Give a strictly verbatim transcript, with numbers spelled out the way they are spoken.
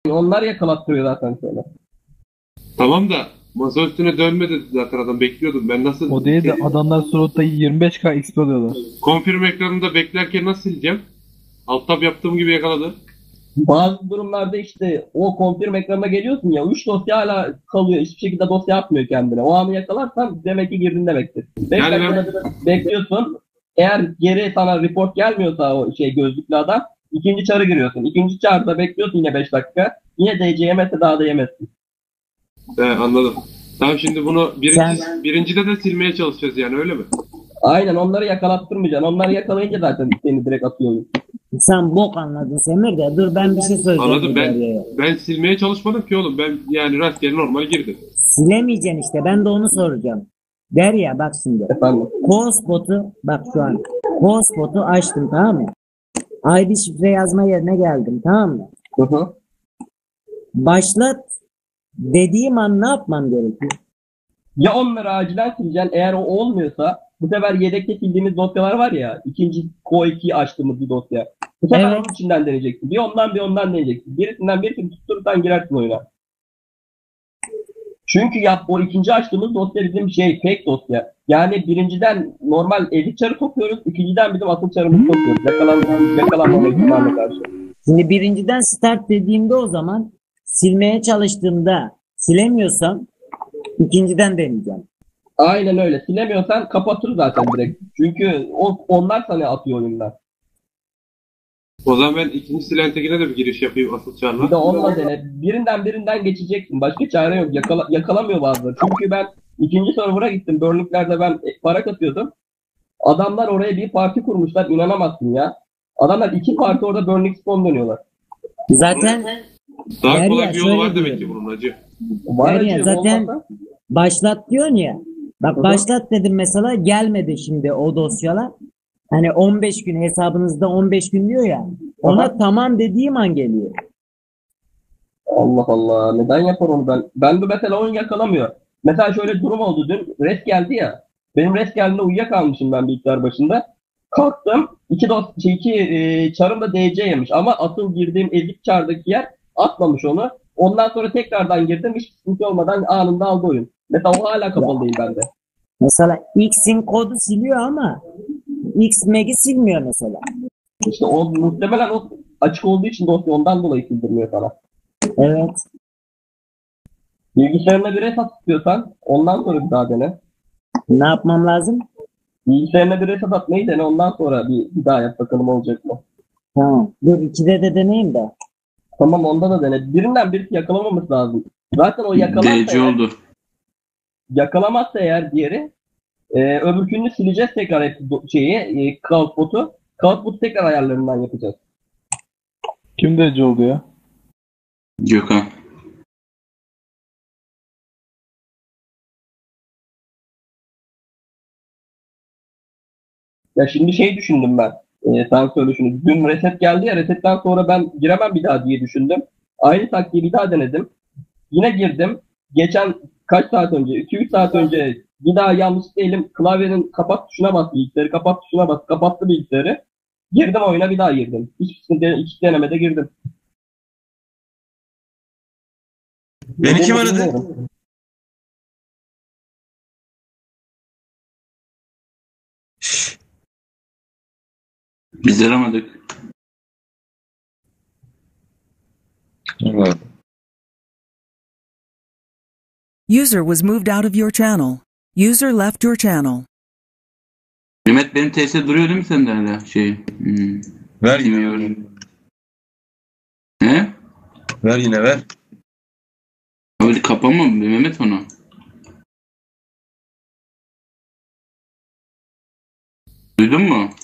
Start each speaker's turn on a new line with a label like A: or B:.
A: Onlar yakalattırıyor zaten seni.
B: Tamam da masa üstüne dönme dedi zaten adam, bekliyordum. Ben nasıl
C: O değil de
B: şey,
C: adamlar slot'ta yirmi beş K X P alıyorlar.
B: konfirm ekranında beklerken nasıl sileceğim? Alt tab yaptığım gibi yakaladı.
A: Bazı durumlarda işte o confirm ekranına geliyorsun ya, üç dosya hala kalıyor. Hiçbir şekilde dosya atmıyor kendine. O anı yakalarsan demek ki girdin demektir. beş
B: Yani ben-
A: dakikada bir bekliyorsun. Eğer geri sana report gelmiyorsa o şey gözlüklü adam, ikinci çarı giriyorsun. İkinci çarda bekliyorsun yine beş dakika. Yine D C yemezse daha da yemezsin.
B: He, anladım. Tamam, şimdi bunu birinci,
D: Sen-
B: birincide de silmeye çalışacağız yani, öyle mi?
A: Aynen, onları yakalattırmayacaksın. Onları yakalayınca zaten seni direkt atıyor oyun.
D: Sen bok anladın Semir de. Dur ben bir şey söyleyeceğim.
B: Anladım,
D: bu
B: ben
D: Derya'ya.
B: ben silmeye çalışmadım ki oğlum. Ben yani rastgele normal girdim.
D: Silemeyeceksin işte. Ben de onu soracağım. Derya bak şimdi.
A: Efendim.
D: Call bak şu an. Call açtım, tamam mı? I D şifre yazma yerine geldim, tamam mı?
A: Hı hı.
D: Başlat dediğim an ne yapmam gerekiyor?
A: Ya onları acilen sileceksin. Eğer o olmuyorsa bu sefer yedekte sildiğimiz dosyalar var ya. İkinci Q ikiyi açtığımız bir dosya. Bu sefer
D: Evet.
A: onun içinden deneyeceksin. Bir ondan bir ondan deneyeceksin. Birisinden birisini tutturursan girersin oyuna. Çünkü ya o ikinci açtığımız dosya bizim şey fake dosya. Yani birinciden normal edit çarı sokuyoruz. İkinciden bizim asıl çarımızı sokuyoruz. Yakalan, yakalanmama ihtimaline karşı.
D: Şimdi birinciden start dediğimde o zaman silmeye çalıştığımda silemiyorsam ikinciden deneyeceğim.
A: Aynen öyle. Silemiyorsan kapatır zaten direkt. Çünkü o, onlar sana atıyor oyundan.
B: O zaman ben ikinci silentekine de bir giriş yapayım asıl
A: Bir
B: çarla.
A: de onunla dene. Birinden birinden geçeceksin. Başka çare yok. Yakala, yakalamıyor bazıları. Çünkü ben ikinci server'a gittim. Burnley'lerde ben park atıyordum. Adamlar oraya bir parti kurmuşlar. İnanamazsın ya. Adamlar iki parti orada Burning Spawn dönüyorlar.
D: Zaten
B: Daha
D: Derya,
B: kolay bir yolu
D: şöyle
B: var demek ki
D: diyorum.
B: bunun hacı.
A: Var
D: Derya,
A: acı,
D: zaten-
A: olmasa-
D: başlat diyorsun ya. Bak
A: Hı hı.
D: başlat dedim mesela, gelmedi şimdi o dosyalar. Hani on beş gün hesabınızda on beş gün diyor ya. Ona
A: Aha.
D: tamam dediğim an geliyor.
A: Allah Allah. Neden yapar onu ben? Ben de mesela oyun yakalamıyor. Mesela şöyle durum oldu dün. Res geldi ya. Benim res geldiğinde uyuyakalmışım ben bilgisayar başında. Kalktım. İki, dos şey, iki e, çarım da D C yemiş. Ama asıl girdiğim ezik çardaki yer atmamış onu. Ondan sonra tekrardan girdim. Hiç sıkıntı olmadan anında aldı oyun. Mesela o hala kapalı değil bende.
D: Mesela X'in kodu siliyor ama X Mag'i silmiyor mesela.
A: İşte o muhtemelen o açık olduğu için dosya ondan dolayı sildirmiyor sana.
D: Evet.
A: Bilgisayarına bir reset istiyorsan ondan sonra bir daha dene.
D: Ne yapmam lazım?
A: Bilgisayarına bir reset atmayı dene, ondan sonra bir, bir daha yap bakalım olacak mı?
D: Tamam. Dur ikide de deneyeyim de.
A: Tamam, onda da dene. Birinden birisi yakalamaması lazım. Zaten o yakalarsa
E: D C
A: eğer,
E: oldu.
A: yakalamazsa eğer diğeri e, öbürkünü sileceğiz tekrar hepsi do- şeyi e, Cloudbot'u. Cloudbot'u tekrar ayarlarından yapacağız.
C: Kim D C oldu ya?
E: Gökhan.
A: Ya şimdi şey düşündüm ben. E, sen söyle şunu. Dün reset geldi ya, resetten sonra ben giremem bir daha diye düşündüm. Aynı taktiği bir daha denedim. Yine girdim. Geçen kaç saat önce, iki üç saat önce bir daha yanlışlıkla elim klavyenin kapat tuşuna bas, bilgisayarı kapat tuşuna bas, kapattı bilgisayarı. Girdim oyuna, bir daha girdim. Hiç sıkıntı, iki denemede girdim.
F: Beni kim aradı?
A: Bilmiyorum.
E: Biz aramadık.
F: Evet.
G: User was moved out of your channel. User left your channel.
E: Mehmet, benim T S duruyor değil mi sende hala? Şey. Hmm.
F: Ver yine ver.
E: Bilmiyorum. He?
F: Ver yine ver.
E: Öyle kapama mı Mehmet onu? Duydun mu?